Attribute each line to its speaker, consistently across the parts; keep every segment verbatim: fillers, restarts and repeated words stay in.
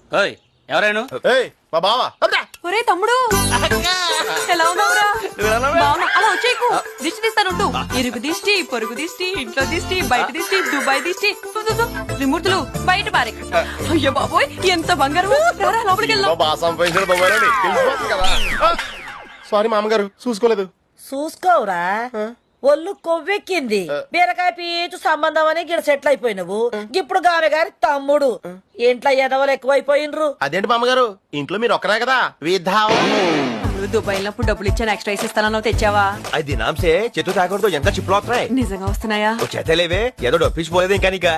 Speaker 1: ఎవరైనా
Speaker 2: మా బావా
Speaker 3: ఒరే తమ్ముడు ఎలా ఉన్నావురా? బావున్నా. అలా వచ్చేకు దిష్టి తీస్తానుంటూ ఇరుగు దిష్టి, పొరుగు దిష్టి, ఇంట్లో దిష్టి, బయట దిష్టి, దుబాయ్ దిష్టి, త్రిమూర్తులు బయట పారే. అయ్యో బాబోయ్ ఎంత బంగారం. లోపలికి వెళ్దాం.
Speaker 2: బాగా సంపాదించిన దుబాయ్లోని తెలిసిపోతుంది కదా. సారీ మామగారు చూసుకోలేదు.
Speaker 4: చూసుకోవురా ఒళ్ళు కొవ్వెక్కింది. బీరకాయ పీచు సంబంధం అని గిడ సెటిల్ అయిపోయినవు. ఇప్పుడు గామె గారి తమ్ముడు ఇంట్లో ఎదవలు ఎక్కువైపోయినరు.
Speaker 2: అదేంటి మామగారు ఇంట్లో మీరు ఒక్కరే కదా విధావా.
Speaker 3: దుబాయ్ వెళ్ళినప్పుడు డబ్బులు ఇచ్చాను ఎక్స్ట్రా ఇస్తానో తెచ్చావా?
Speaker 5: అది దినాంసే చేతు తాకూడదు ఎంత చిప్పులు వస్తున్నాయి.
Speaker 3: నిజంగా వస్తున్నాయా?
Speaker 5: చేతలేవే ఏదో డొప్పించిపోలేదు ఇంకా నీక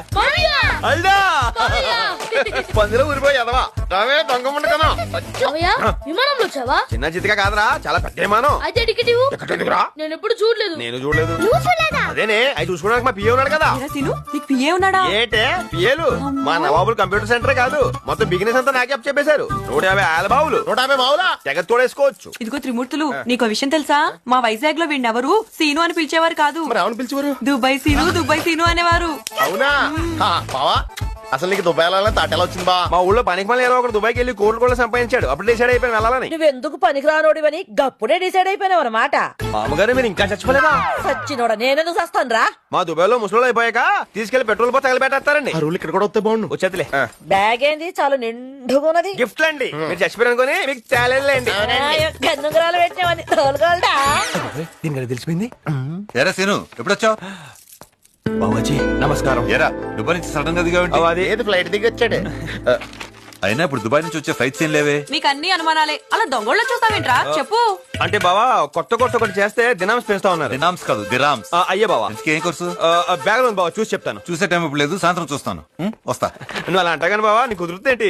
Speaker 5: పందిలో ఊరిపోయి ఎదవా రావే దొంగ కదా.
Speaker 6: విమానంలో వచ్చావా?
Speaker 5: చిన్న చితిగా కాదురా చాలా పెద్ద విమానం.
Speaker 6: అయితే టికెట్ ఇవ్వు.
Speaker 5: ఎక్కడెందుకురా?
Speaker 6: నేను ఎప్పుడు చూడలేదు.
Speaker 5: నేను చూడలేదు. అదేనే అవి చూసుకోవడానికి మా పిఏ ఉన్నాడు కదా.
Speaker 3: ఏరా సీను, నీకు పిఏ ఉన్నాడా?
Speaker 5: ఏటే పిఏలు మా నవాబులు కంప్యూటర్ సెంటర్ కాదు మొత్తం బిజినెస్ అంతా నాకే అప్ చెప్పేశారు. నూట యాభై ఆల బావులు
Speaker 2: నూట యాభై బావులా
Speaker 5: తెగ తోడేసుకోవచ్చు.
Speaker 3: ఇదిగో త్రిమూర్తులు నీకు విషయం తెలుసా? మా వైజాగ్ లో వీడినెవరు సీను అని పిలిచేవారు కాదు.
Speaker 2: మరి ఎవరిని పిలిచేవారు?
Speaker 3: దుబాయ్ సీను, దుబాయ్ సీను అనేవారు.
Speaker 2: అవునా బావా అసలు నీకు దుబాయ్ తాటెలా వచ్చింది బా?
Speaker 5: మా ఊళ్ళో పనికి మళ్ళీ ఒకటి దుబాయ్కి వెళ్ళి కోట్లు కూడా సంపాదించాడు. అప్పుడు డిసైడ్ అయిపోయి వెళ్ళాలని.
Speaker 4: నువ్వెందుకు పనికిరానోడివని గప్పుడే డిసైడ్ అయిపోయినావు అన్నమాట.
Speaker 5: మామగారు మీరు ఇంకా చచ్చిపోలేదా?
Speaker 4: సచ్చినోడా నేనెందుకు సస్తాను రా.
Speaker 5: మా దుబాయ్ లో ముసలు అయిపోయాక తీసుకెళ్లి పెట్రోల్ పోతే తగలబెట్టేస్తారండి.
Speaker 2: ఆ రూల్ ఇక్కడ కూడా వస్తే బాగుండు.
Speaker 5: వచ్చేతలే
Speaker 4: బ్యాగ్ ఏంది చాలా నిండుగున్నది.
Speaker 5: గిఫ్ట్ అండి మీరు చచ్చిపోయారు అనుకోని మీకు తేలేండి.
Speaker 4: గన్నుగురాలు పెట్టినావని తోలుగోల్డా.
Speaker 5: దీనికి తెలిసిపోయింది.
Speaker 7: ఎరా సీను ఎప్పుడొచ్చావు?
Speaker 5: బాబాజీ నమస్కారం.
Speaker 7: ఎరా దుబాయ్ నుంచి సడన్ గా దిగావేంటి?
Speaker 5: అది
Speaker 2: ఏది ఫ్లైట్ దిగి వచ్చాడు.
Speaker 7: అయినా ఇప్పుడు దుబాయ్ నుంచి వచ్చే ఫ్లైట్స్ ఏం లేవే.
Speaker 3: మీకు అన్ని అనుమానాలే. అలా దొంగళ్ళ చూస్తావేంట్రా? చెప్పు.
Speaker 5: అంటే బావా కొత్త కొత్త ఒకటి చేస్తే దినాంస్ పెంచుతా ఉన్నారు.
Speaker 7: దినామ్స్ కాదు దిరామ్స్.
Speaker 5: ఆ, అయ్యే బావా
Speaker 7: ఏం కోర్సు?
Speaker 5: బ్యాగ్ లో ఉంది బావా చూసి చెప్తాను.
Speaker 7: చూసే టైం ఇప్పుడు లేదు, సాయంత్రం చూస్తాను. ఉం? వస్తా.
Speaker 5: నువ్వు అలా అంటాగాని బావా నీకు కుదురుతుందేంటి?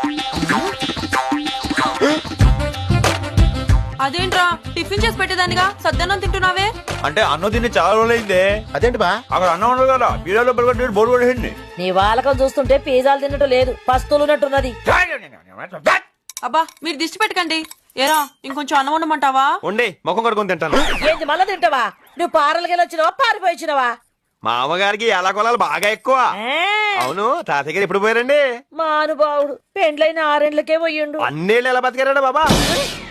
Speaker 3: అదేంట్రా టిఫిన్ చేసి పెట్టేదానిగా సద్దన్నం తింటున్నావే?
Speaker 5: అంటే అన్నం తిని చాలా రోజులైందే.
Speaker 2: అదేంటి బా?
Speaker 5: అక్కడ అన్నం ఉండదు కదా బీడలో బోర్డు పడేయండి.
Speaker 4: నీ వాళ్ళకం చూస్తుంటే పిజ్జాలు తిన్నట్టు లేదు, పస్తులు ఉన్నట్టున్నది.
Speaker 3: అబ్బా మీరు దిష్టి పెట్టకండి. ఏరా ఇంకొంచెం అన్నం ఉండమంటావా?
Speaker 5: ఉండి ముఖం కడుకొని తింటాను.
Speaker 4: ఏంటి మళ్ళా తింటావా? నువ్వు పారలకి వచ్చినావా పారిపోయిచ్చినవా?
Speaker 5: మా అమ్మగారికి ఎలా కొలాలు బాగా ఎక్కువ. అవును తాతయ్య గారు ఎప్పుడు పోయారండి?
Speaker 4: మా అనుభావుడు పెండ్లైన ఆరేండ్లకే పోయిండు.
Speaker 5: అన్నేళ్ళు ఎలా బతికారా బాబా?